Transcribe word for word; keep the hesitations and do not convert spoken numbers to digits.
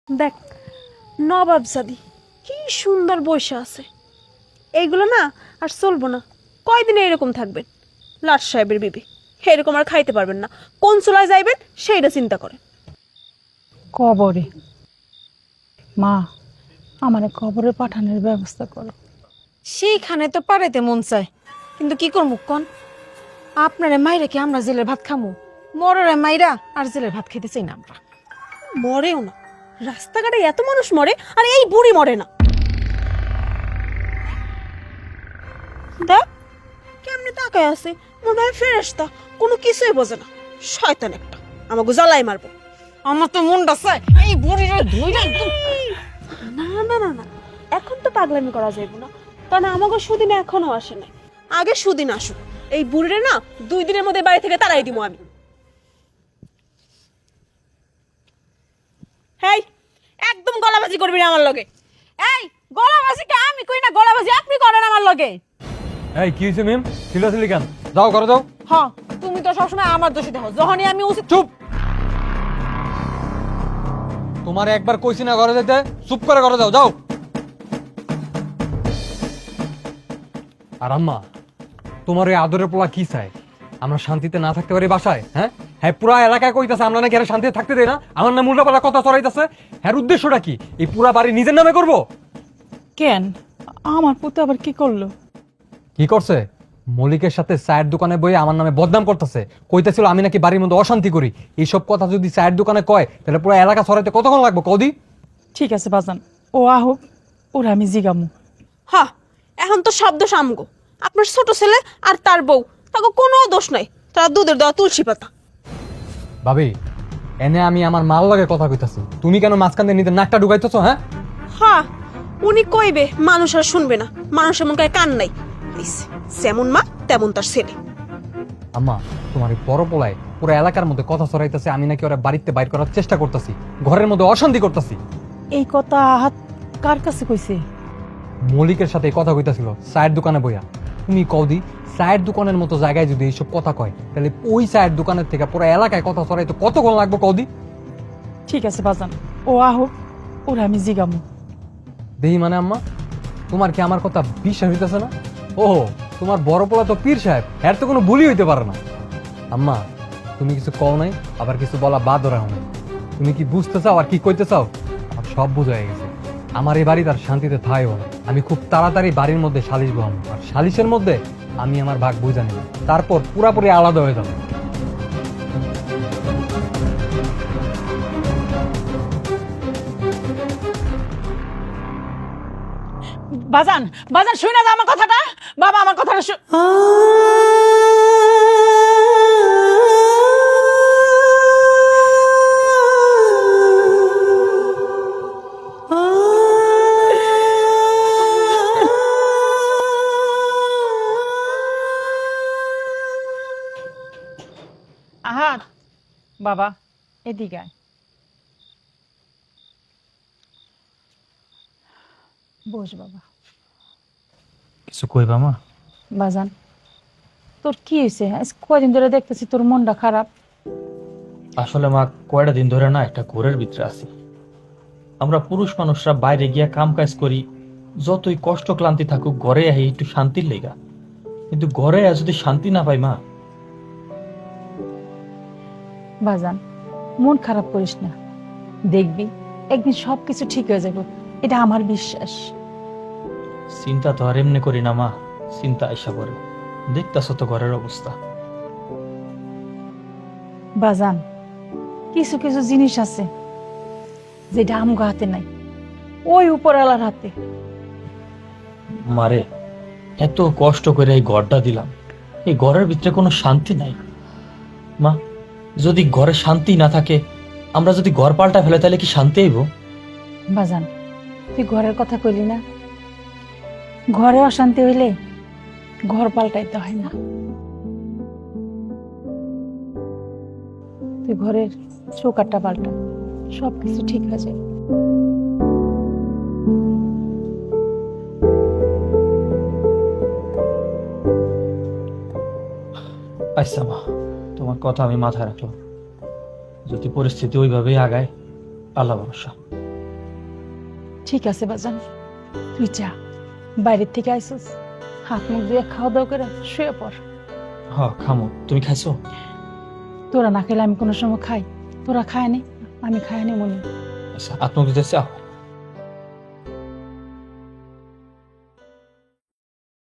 দেখ, নবাবজাদি কি সুন্দর বসে আছে। এইগুলো না আর চলবো না, কয়দিনে এরকম থাকবেন। লাট সাহেবের বিবি এরকম আর খাইতে পারবেন না। কোন চুলায় যাইবেন সেইটা চিন্তা করেন। কবরে মা, আমারে কবরে পাঠানোর ব্যবস্থা করো। সেইখানে তো পারাইতে মন চায়, কিন্তু কি করবো কন? আপনারে মাইরা কি আমরা জেলের ভাত খামু? মররে মাইরা আর জেলের ভাত খেতে চাই না আমরা। মরেও না, রাস্তাঘাটে এত মানুষ মরে আর এই বুড়ি মরে না। দেখ কেমনে তাকায় আছে, মনে হয় ফেরেশতা, কোনো কিছুই বোঝে না। শয়তান একটা, আমাকে জ্বালাই মারবো। আমার তো মনটা চায় এই বুড়িরে ধুইরা একদম। না না না না, এখন তো পাগলামি করা যাইব না, কারণ আমাকে সুদিন এখনো আসে নাই। আগে সুদিন আসুক, এই বুড়িরে না দুই দিনের মধ্যে বাড়ি থেকে তাড়াই দিব আমি। হেই, একদম গলাবাজি করবি না আমার লগে। এই গলাবাজি কে আমি কই না, গলাবাজি আপনি করেন আমার লগে। এই কি হয়েছে মিম, চিল্লাচিল্লি কেন? যাও ঘরে যাও। হ্যাঁ, তুমি তো সবসময় আমার দোষী দেখো, যখনই আমি উচিত। চুপ! তোমার একবার কইছি না ঘরে যেতে, চুপ করে ঘরে যাও। যাও। আর আম্মা, তোমার ওই আদরের পোলা কি চায়? আমরা শান্তিতে না থাকতে পারি বাসায়? হ্যাঁ হ্যাঁ, পুরা এলাকায় কইতাছে আমরা নাকি এরা শান্তিতে থাকতে দেয় না, আমার নাম উল্টাপাল্টা কথা চড়াইতেছে। হ্যাঁ, উদ্দেশ্যটা কি? এই পুরা বাড়ি নিজের নামে করব? কেন আমার পুতে আবার কি করলো? কি করছে? মলিকের সাথে চায়ের দোকানে বইয়ে আমার নামে বদনাম করতেছে, কইতেছিল আমি নাকি বাড়ির মধ্যে অশান্তি করি। এইসব কথা যদি চায়ের দোকানে কয় তাহলে পুরো এলাকা ছড়াইতে কতক্ষণ লাগবে কদি? ঠিক আছে বাজান, ও আহুক, ওরা আমি জিগামু। হ্যাঁ, এখন তো শব্দ সামগো। আপনার ছোট ছেলে আর তার বউ, তাকে কোনো দোষ নাই, তারা দুধের দেওয়া তুলসী পাতা। ভাবি, এনে আমি আমার মাল লাগে কথা কইতাছি, তুমি কেন মাঝখান দিয়ে নিজের নাকটা ঢুকাইতেছো? হ্যাঁ হ্যাঁ, উনি কইবে, মানুষ আর শুনবে না, মানুষের মন গায়ে কান নাই। হইছে, যেমন মা তেমন তার ছেলে। আম্মা, তোমার এই বড় পোলায় পুরো এলাকার মধ্যে কথা ছড়াইতেছে আমি নাকি ওরা বাড়িতে বাইর করার চেষ্টা করতেছি, ঘরের মধ্যে অশান্তি করতেছি। এই কথা হাত কার কাছে কইছে? মলিকের সাথে এই কথা কইতাছিল চায়ের দোকানে বইয়া। তুমি কদি, চায়ের দোকানের মতো জায়গায় যদি এইসব কথা কয় তাহলে ওই চায়ের দোকানের থেকে পুরো এলাকায় কথা ছড়াইতে কতক্ষণ লাগবে কদি? ঠিক আছে বাজান, ও আহুক, ওরা আমি জিগামু। দেহি মানে আম্মা, তোমার কি আমার কথা বিশ্বাস হইতেছে না? ও, তোমার বড় পোলা তো পীর সাহেব, এর তো কোনো ভুলই হইতে পারে না। আম্মা, তুমি কিছু কও নাই, আবার কিছু বলা বাদ রাখো নাই। তুমি কি বুঝতে চাও আর কি কইতে চাও? আমার সব বোঝা হয়ে গেছে। আমার এই বাড়ি তার শান্তিতে থাইও না। আমি খুব তাড়াতাড়ি বাড়ির মধ্যে সালিশ বহাম, আর সালিশের মধ্যে আমি আমার ভাগ বুঝা নেব, তারপর পুরাপুরি আলাদা হয়ে যাবো। বাজান, বাজান শুই না আমার কথাটা, বাবা আমার কথাটা শু- আহার, বাবা এদিকে আয়। বস বাবা। কিছু কইবা মা? বাজান, তোর কি হয়েছে? আজ কয়দিন ধরে দেখতেছি তোর মনটা খারাপ। আসলে মা, কয়টা দিন ধরে না একটা ঘোরের ভিতরে আছি। আমরা পুরুষ মানুষরা বাইরে গিয়া কাম কাজ করি, যতই কষ্ট ক্লান্তি থাকুক ঘরে আহি একটু শান্তির লেগা, কিন্তু ঘরে আজ যদি শান্তি না পাই মা। বাজান, মন খারাপ করিস না, দেখবি একদিন সবকিছু ঠিক হয়ে যাবে, এটা আমার বিশ্বাস। চিন্তা তো আর এমনি করি না মা, চিন্তা আইসা করে। দেখতাছ তো ঘরের অবস্থা। বাজান, কিছু কিছু জিনিস আছে যেটা আমগো হাতে নাই, ওই উপরওয়ালার হাতে। মারে, এত কষ্ট করে এই ঘরটা দিলাম, এই ঘরের ভিতরে কোনো শান্তি নাই মা। যদি ঘরে শান্তি না থাকে, আমরা যদি ঘর পাল্টা ফেলে তাহলে কি শান্তি আইব? বাজান, তুই ঘরের কথা কইলি না, ঘরে অশান্তি হইলে ঘর পাল্টাইতে হয় না। তুই ঘরের চৌকাটটা পাল্টা, সবকিছু ঠিক হয়ে যায়। আচ্ছা মা, তোমার কথা আমি মাথায় রাখলাম। যদি পরিস্থিতি ওইভাবেই আগায়, আল্লাহ ভরসা। ঠিক আছে বাজান, তুই যা, বাইরের থেকে আইসস, হাত মুখ দিয়ে খাওয়া দাওয়া করে শুয়ে পড়। হ খামো, তুমি খাইছো? তোরা না খেলে আমি কোনো সময় খাই? তোরা খায় নি, আমি খাই নি মনে। আচ্ছা, আপনার দিতেছে